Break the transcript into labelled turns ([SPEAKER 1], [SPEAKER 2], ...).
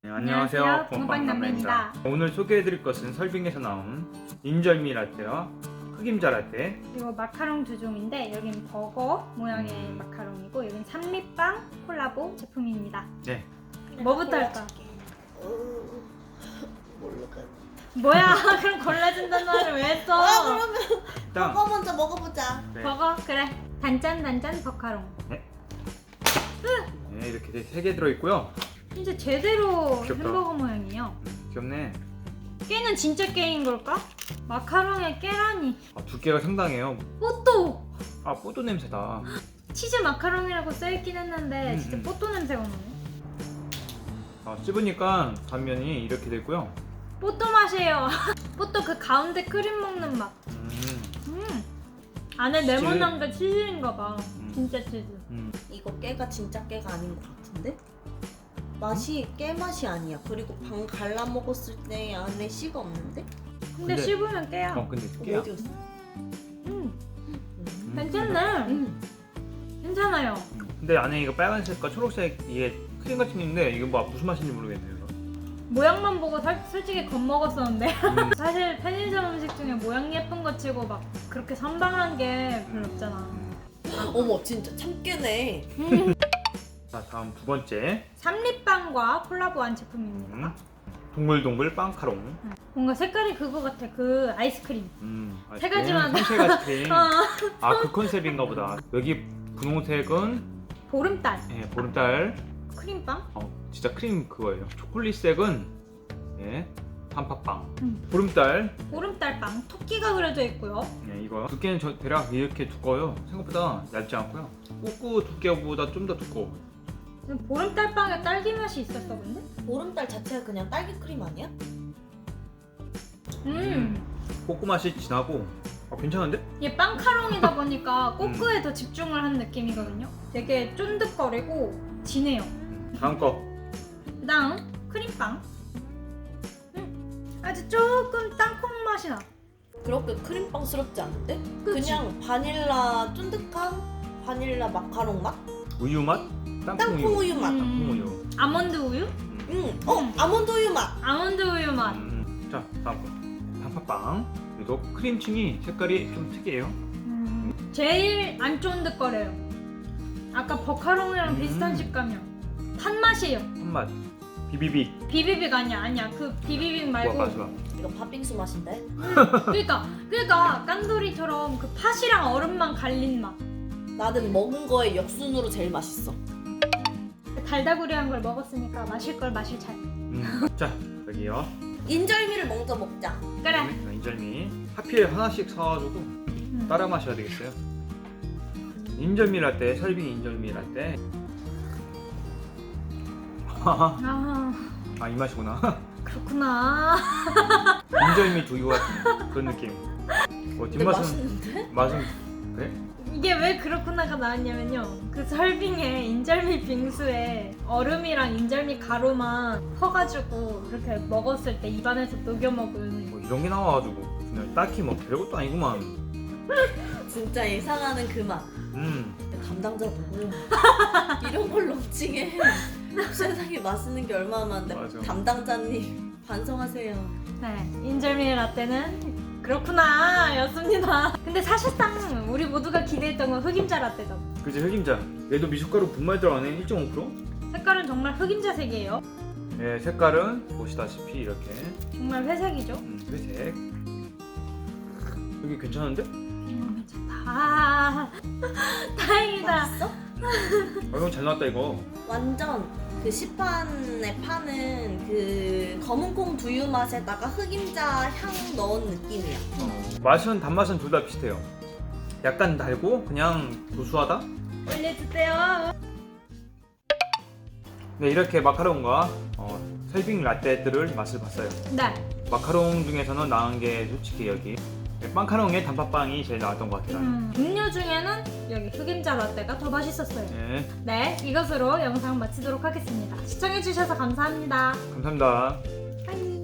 [SPEAKER 1] 네, 안녕하세요.
[SPEAKER 2] 붕어빵 남매입니다.
[SPEAKER 1] 오늘 소개해드릴 것은 설빙에서 나온 인절미 라떼와 흑임자 라떼.
[SPEAKER 2] 그리고 마카롱 두 종인데 여기는 버거 모양의 마카롱이고 여기는 삼립빵 콜라보 제품입니다.
[SPEAKER 1] 네.
[SPEAKER 2] 뭐부터 할까?
[SPEAKER 3] 모르겠어.
[SPEAKER 2] 뭐야? 그럼 골라준다는 말을 왜 했어?
[SPEAKER 3] 그러면
[SPEAKER 1] 일단
[SPEAKER 3] 버거 먼저 먹어보자.
[SPEAKER 1] 네.
[SPEAKER 2] 버거? 그래. 단짠 버카롱.
[SPEAKER 1] 네, 이렇게 3개 들어있고요.
[SPEAKER 2] 진짜 제대로
[SPEAKER 1] 귀엽다.
[SPEAKER 2] 햄버거 모양이에요.
[SPEAKER 1] 귀엽네.
[SPEAKER 2] 깨는 진짜 깨인 걸까? 마카롱에 깨라니.
[SPEAKER 1] 두께가 상당해요.
[SPEAKER 2] 뽀또!
[SPEAKER 1] 아, 뽀도 냄새다.
[SPEAKER 2] 치즈 마카롱이라고 써있긴 했는데 진짜
[SPEAKER 1] 음.
[SPEAKER 2] 뽀또 냄새가 나네.
[SPEAKER 1] 씹으니까 단면이 이렇게 되고요.
[SPEAKER 2] 뽀또 맛이에요. 뽀또 그 가운데 크림 먹는 맛. 안에
[SPEAKER 1] 치즈.
[SPEAKER 2] 네모난 게 치즈인가 봐. 진짜 치즈.
[SPEAKER 3] 이거 깨가 진짜 깨가 아닌 것 같은데? 맛이 깨 맛이 아니야. 그리고 반 갈라 먹었을 때 안에 씨가 없는데?
[SPEAKER 2] 근데 씹으면 깨야.
[SPEAKER 1] 근데 깨야.
[SPEAKER 3] 어디였어?
[SPEAKER 2] 괜찮네. 괜찮아요.
[SPEAKER 1] 근데 안에 이거 빨간색과 초록색 이게 크림같이 있는데 이거 뭐 무슨 맛인지 모르겠네요. 이거.
[SPEAKER 2] 모양만 보고 솔직히 겁먹었었는데
[SPEAKER 1] 음.
[SPEAKER 2] 사실 편의점 음식 중에 모양 예쁜 거 치고 막 그렇게 선방한 게 별로 없잖아.
[SPEAKER 3] 어머 진짜 참 깨네.
[SPEAKER 1] 자, 다음 두 번째.
[SPEAKER 2] 삼립빵과 콜라보한 제품입니다.
[SPEAKER 1] 동글동글 빵카롱.
[SPEAKER 2] 뭔가 색깔이 그거 같아. 그 아이스크림. 세 가지만.
[SPEAKER 1] 생색 아이스크림.
[SPEAKER 2] 어.
[SPEAKER 1] 그 컨셉인가 보다. 여기 분홍색은
[SPEAKER 2] 보름달.
[SPEAKER 1] 보름달.
[SPEAKER 2] 크림빵?
[SPEAKER 1] 진짜 크림 그거예요. 초콜릿색은 단팥빵. 보름달.
[SPEAKER 2] 보름달빵. 토끼가 그려져 있고요.
[SPEAKER 1] 이거 두께는 대략 이렇게 두꺼워요. 생각보다 얇지 않고요. 꼬꾸 두께보다 좀 더 두꺼워.
[SPEAKER 2] 보름달빵에 딸기 맛이 있었어 근데?
[SPEAKER 3] 보름달 자체가 그냥 딸기 크림 아니야?
[SPEAKER 1] 꼬꾸 맛이 진하고 괜찮은데?
[SPEAKER 2] 이게 빵카롱이다 보니까 꼬끄에 더 집중을 한 느낌이거든요. 되게 쫀득거리고 진해요.
[SPEAKER 1] 다음 거.
[SPEAKER 2] 그다음 크림빵. 아주 조금 땅콩 맛이 나.
[SPEAKER 3] 그렇게 크림빵스럽지 않은데?
[SPEAKER 2] 그치?
[SPEAKER 3] 그냥 바닐라 쫀득한 바닐라 마카롱 맛?
[SPEAKER 1] 우유 맛?
[SPEAKER 3] 땅콩 우유 맛.
[SPEAKER 1] 땅콩 우유.
[SPEAKER 2] 아몬드 우유?
[SPEAKER 3] 아몬드 우유 맛.
[SPEAKER 2] 아몬드 우유 맛.
[SPEAKER 1] 자, 다음 거. 단팥빵. 그래도 크림층이 색깔이 좀 특이해요.
[SPEAKER 2] 제일 안 쫀득거려요. 아까 버카롱이랑 비슷한 식감이야. 판 맛이에요.
[SPEAKER 1] 한맛. 비비빅.
[SPEAKER 2] 비비빅 아니야. 그 비비빅 말고.
[SPEAKER 1] 맞아.
[SPEAKER 3] 이거 팥빙수 맛인데?
[SPEAKER 2] 그러니까 깐돌이처럼 그 팥이랑 얼음만 갈린 맛.
[SPEAKER 3] 나는 먹은 거에 역순으로 제일 맛있어.
[SPEAKER 2] 달다구리한 걸 먹었으니까 마실 걸 마실 잘.
[SPEAKER 1] 자, 여기요.
[SPEAKER 3] 인절미를 먼저 먹자.
[SPEAKER 2] 그래.
[SPEAKER 1] 인절미. 하필 하나씩 사가지고 따라 마셔야 되겠어요. 인절미 라떼, 설빙 인절미 라떼. 이 맛이구나.
[SPEAKER 2] 그렇구나.
[SPEAKER 1] 인절미 두유 같은 그런 느낌.
[SPEAKER 3] 근데
[SPEAKER 1] 뒷맛은
[SPEAKER 3] 맛있는데?
[SPEAKER 1] 맛은 그래?
[SPEAKER 2] 이게 왜 그렇구나가 나왔냐면요. 그 설빙에 인절미 빙수에 얼음이랑 인절미 가루만 퍼가지고 그렇게 먹었을 때 입안에서 녹여 먹은.
[SPEAKER 1] 뭐 이런 게 나와가지고 그냥 딱히 뭐 별것도 아니구만.
[SPEAKER 3] 진짜 예상하는 그 맛. 담당자 보고 이런 걸 런칭해. 세상에 맛있는 게 얼마나 많은데.
[SPEAKER 1] 맞아.
[SPEAKER 3] 담당자님 반성하세요.
[SPEAKER 2] 네, 인절미 라떼는 그렇구나 였습니다. 근데 사실상 우리 모두가 기대했던 건 흑임자 라떼죠.
[SPEAKER 1] 그치, 흑임자. 얘도 미숫가루 분말 들어가네. 1.5%.
[SPEAKER 2] 색깔은 정말 흑임자 색이에요.
[SPEAKER 1] 네, 색깔은 보시다시피 이렇게
[SPEAKER 2] 정말 회색이죠.
[SPEAKER 1] 회색. 여기 괜찮은데?
[SPEAKER 2] 괜찮다. 다행이다.
[SPEAKER 3] 맛있어?
[SPEAKER 1] 이건 잘 나왔다 이거.
[SPEAKER 3] 완전 그 시판에 파는 그 검은콩 두유 맛에다가 흑임자 향 넣은 느낌이야.
[SPEAKER 1] 맛은 단맛은 둘 다 비슷해요. 약간 달고 그냥 고소하다.
[SPEAKER 2] 올려주세요.
[SPEAKER 1] 네, 이렇게 마카롱과 설빙 라떼들을 맛을 봤어요.
[SPEAKER 2] 네.
[SPEAKER 1] 마카롱 중에서는 나은 게 솔직히 여기 빵카롱에 단팥빵이 제일 나왔던 것 같아요.
[SPEAKER 2] 음료 중에는 여기 흑임자 라떼가 더 맛있었어요.
[SPEAKER 1] 네,
[SPEAKER 2] 네, 이것으로 영상 마치도록 하겠습니다. 시청해주셔서 감사합니다.
[SPEAKER 1] 감사합니다.
[SPEAKER 2] 빠이.